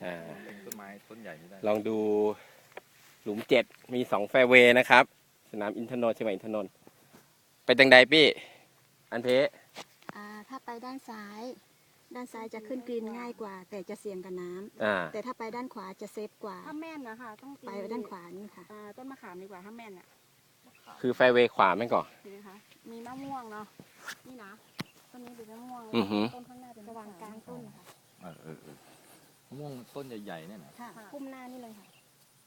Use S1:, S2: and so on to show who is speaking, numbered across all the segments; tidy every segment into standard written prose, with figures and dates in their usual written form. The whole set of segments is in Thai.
S1: ต้นไม้ต้นใหญ่ไม่ได้
S2: ลองดูหลุม7มี2แฟร์เวย์นะครับสนามอินทนนท์เชียงใหม่อินทนนท์ไปทางใดพี่อันเพ
S3: ถ้าไปด้านซ้ายจะขึ้นกรีนง่ายกว่าแต่จะเสี่ยงกับน้ำแต่ถ้าไปด้านขวาจะเซฟกว่า
S4: ถ้าแม่นนะคะต้อง
S3: ไปด้านขวานี่ค่ะ
S4: ต้นมะขามดีกว่าถ้าแม่นเนี่ย
S2: คือแฟร์เวย์ขวาไหมก่อน
S4: นะคะมีมะม่วงเนาะนี่นะต้นนี้เป็นมะม่วงต้นข้างหน้าเป็น
S3: ระหว่างกลางต้นค่ะ
S1: มะม่วงต้นใหญ่ๆเนี่ยนะ
S3: ค่ะพุ่มหน้านี่เลยค่ะ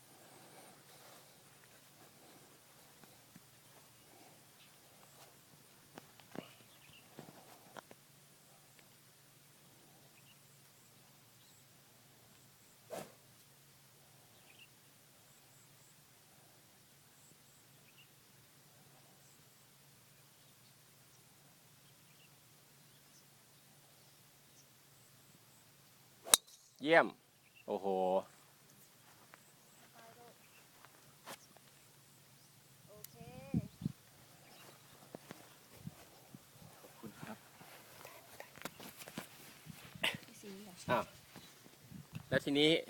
S2: เยี่ยมโอ้โห
S4: โอเค
S1: ขอบคุณครับ
S2: แล้วทีนี้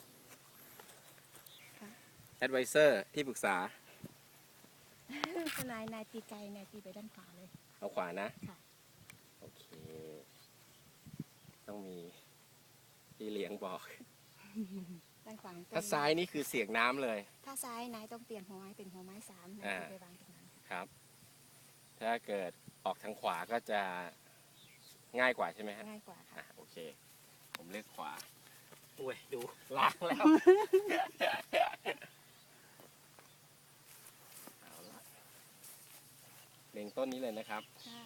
S2: แอดไวเซอร์ที่ปรึกษา
S3: นายตีไกลนายตีไปด้านขวาเลย
S2: เอาขวานะ
S3: ค่ะ
S2: โอเคต้องมีพี่เลี้ยงบอก
S3: ด้านขวา
S2: ถ้าซ้ายนี่คือเสียงน้ำเลย
S3: ถ้าซ้ายนายต้องเปลี่ยนหัวไม้เป็นหัวไม้3นายไปวางตรงนั้น
S2: ครับถ้าเกิดออกทางขวาก็จะง่ายกว่าใช่ไหมฮะ
S3: ง่ายกว่าค่ะ
S2: โอเคผมเลือกขวาอุ้ยดูล้างแล้วเอาละเล็งต้นนี้เลยนะครับ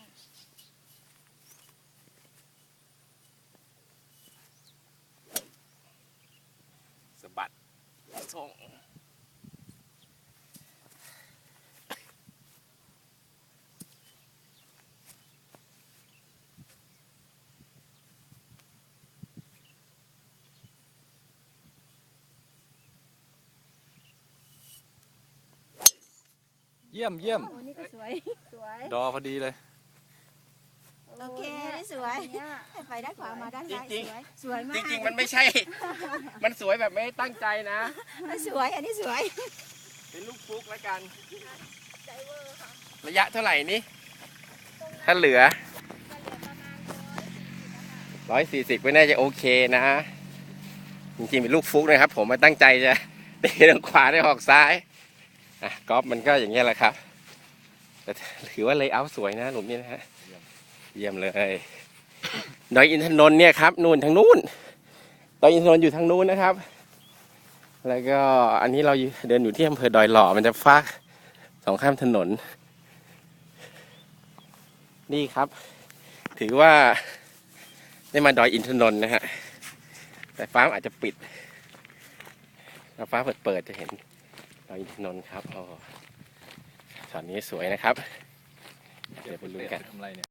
S2: สะบัดส่ง
S1: เยี่ยมเยี่ยม
S3: โอ้นี่ก็สวย
S1: ดอพอดีเลย
S3: โอเคนี่สวยไปด้านขวามาด้านซ้ายสวยมาก
S2: จริงๆมันไม่ใช่มันสวยแบบไม่ตั้งใจนะ
S3: สวยอันนี้สวย
S2: เป็นลูกฟุกแล้วกันระยะเท่าไหร่นี่ถ้าเหลือ140ไม่น่าจะโอเคนะจริงๆเป็นลูกฟุกนะครับผมมาตั้งใจจะเตะทางขวาได้ออกซ้ายกอล์ฟมันก็อย่างเงี้ยแหละครับแต่ถือว่าเลเยอร์สวยนะหลุมนี้นะฮะเยี่ยมเลยดอยอินทนนท์เนี่ยครับนู่นทางนู้นดอยอินทนนท์อยู่ทางนู้นนะครับแล้วก็อันนี้เราเดินอยู่ที่อำเภอดอยหล่อมันจะฟากสองข้ามถนนนี่ครับถือว่าได้มาดอยอินทนนท์นะฮะแต่ฟ้าอาจจะปิดถ้าฟ้าเปิดจะเห็นดอยอินทนนท์ครับช็อตนี้สวยนะครับเดี๋ยวไปลุ้นกัน
S1: ทำไรเนี่ย